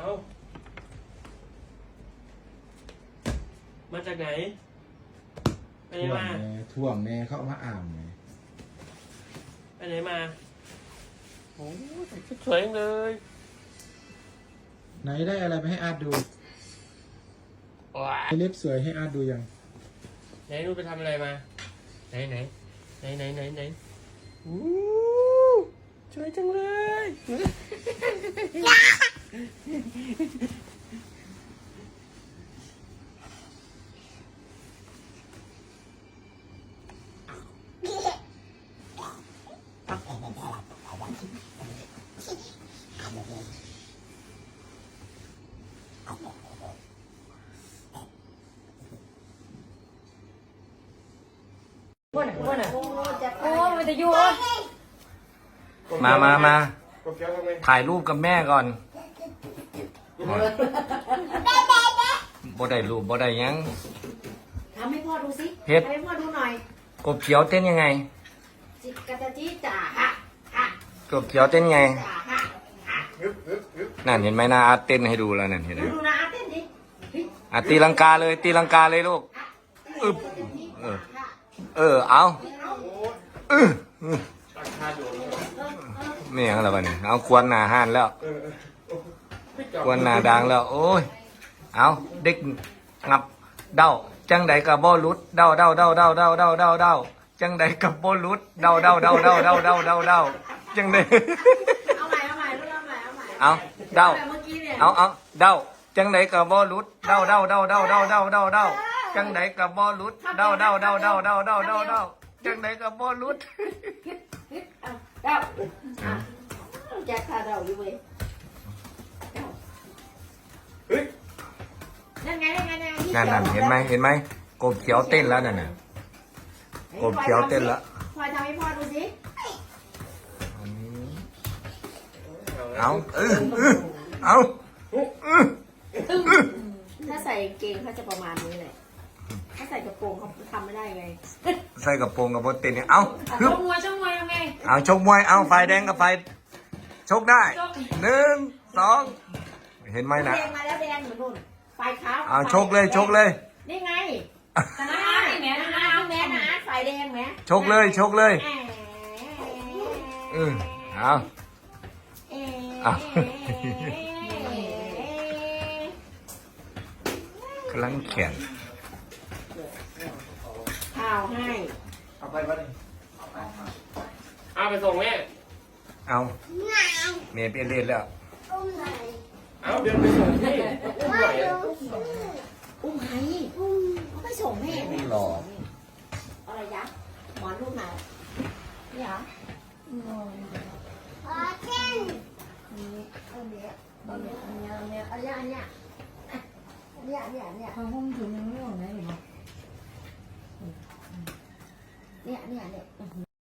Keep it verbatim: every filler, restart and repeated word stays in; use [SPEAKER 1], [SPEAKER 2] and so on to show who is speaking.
[SPEAKER 1] เอามาจากไหนไปไหน
[SPEAKER 2] ท่วม
[SPEAKER 1] มา
[SPEAKER 2] แม่ท่วมแม่เข้ามาอ่ามไง
[SPEAKER 1] ไปไหนมาโอ้ยชุดสวยจังเลย
[SPEAKER 2] ไหนได้อะไรไปให้อาร์ตดู
[SPEAKER 1] ว้า
[SPEAKER 2] ให้เล็บสวยให้อาร์ตดูยัง
[SPEAKER 1] ไหนนูไปทำอะไรมาไหนไหนไหนไหนไหนไหนอู้สวยจังเลยว่าไหนว่าไหน
[SPEAKER 3] โอ้มันจะอยู่
[SPEAKER 4] มามามา
[SPEAKER 1] ก็เกี้ยวทำไม
[SPEAKER 4] ถ่ายรูปกับแม่ก่อนบ่ได้รูปบ่ได้หยัง
[SPEAKER 3] ทำให้พ่อดูสิ
[SPEAKER 4] เฮ็ด
[SPEAKER 3] ทำให้พ่อดูหน่อย
[SPEAKER 4] กบเขียวเต้นยังไง
[SPEAKER 3] จิกกะตะจี้จ่าฮะฮะ
[SPEAKER 4] กบเขียวเต้นไง
[SPEAKER 3] จ่าฮะ
[SPEAKER 4] นั่นเห็นไหมนาอาร์ตเต้นให้ดูแล้วนั่นเห็นไหม
[SPEAKER 3] ดูนะอาเต้นดิเฮ้ย
[SPEAKER 4] อ่ะตีลังกาเลยตีลังกาเลยลูกอึบเออเออเอาเออ
[SPEAKER 1] ราคาอยู่
[SPEAKER 4] ไม่อย่างไรบ้านี่เอาควนหนาห้านแล้วควนหนาดังแล้ว โอ้ยเอาเด็กงับเด้าจังใดกับบ่ลุดเด้าเด้าเด้าเด้าเด้าเด้าเด้าเด้าจังใดกับบ่ลุดเด้าเด้าเด้าเด้าเด้าเด้าเด้าเด้าจังใด
[SPEAKER 3] เอาใหม่เอาใหม่ลูกเอาใหม่เอาใหม่
[SPEAKER 4] เอาเด้า
[SPEAKER 3] แบบเมื่อกี้เนี่ย
[SPEAKER 4] เอาเอาเด้าจังใดกับบ่ลุดเด้าเด้าเด้าเด้าเด้าเด้าเด้าเด้าจังใดกับบ่ลุดเด้าเด้าเด้าเด้าเด้าเด้าเด้าเด้าจังใดกับบ่ลุด
[SPEAKER 3] ฮิตฮิตเอาเดาอ่ะแจ็คพาเดาอยู่เว้ยเดา
[SPEAKER 1] เฮ้ย
[SPEAKER 3] นั่นไงนั่นไงนั่นไง
[SPEAKER 4] นั่นนั่นเห็นไหมเห็นไหมกบเขียวเต้นแล้วนั่นน่ะกบเขียวเต้นแล้ว
[SPEAKER 3] พลอยทำให้พ่อดูสิ
[SPEAKER 4] เอาเออเออเอาเออ
[SPEAKER 3] ถ้าใส่กางเกงเขาจะประมาณนี้เลยถ้าใส่กระโปรงเขาทำไม่ได้ไง
[SPEAKER 4] ใส่กระโปรงกับบนเต้นเนี่ยเอาฮึ
[SPEAKER 3] ช่
[SPEAKER 4] บ
[SPEAKER 3] องมวยช่องมวยทำไง
[SPEAKER 4] เอาชกมวยเอาไฟแดงกับไฟชกได้หนึ่งสองเห็นไหมนะ
[SPEAKER 3] แดงมาแล้วแดงเหมือนนู่นไฟขาว
[SPEAKER 4] เอาชกเลยชกเลย
[SPEAKER 3] นี่ไงแต่นะอาร์ตนี่แหมนะอาร์ตแหมนะอาร์ตไฟแดงแหม
[SPEAKER 4] ชกเลยชกเลย
[SPEAKER 3] แหม
[SPEAKER 4] เออเอา
[SPEAKER 3] เอ๊ะ
[SPEAKER 4] เอากำลังแขน
[SPEAKER 3] ข่าวให้
[SPEAKER 2] เอาไปวันนี้
[SPEAKER 1] เอาไปส่งแม่
[SPEAKER 4] เอาเมย์เปลี่ยนเล่นแล้ว
[SPEAKER 1] เอาเดินไปส่งที่อุ้มไหวอะ
[SPEAKER 3] อุ้มใครอุ้มเขาไปส่งแม่แม่
[SPEAKER 4] หล่อ
[SPEAKER 3] อะไรยะหมอนลูกไหนนี่เหรออ๋อเช่นนี่เอาเนี้ยเอาเนี้ยเอาเนี้ยเอาเนี้ยเอาเนี้ยอันเนี้ยอันเนี้ยอันเนี้ยอันเนี้ย
[SPEAKER 5] ห้องถึงยังไม่ออกไหนหรอ
[SPEAKER 3] เนี่ยเนี่ยเนี่ย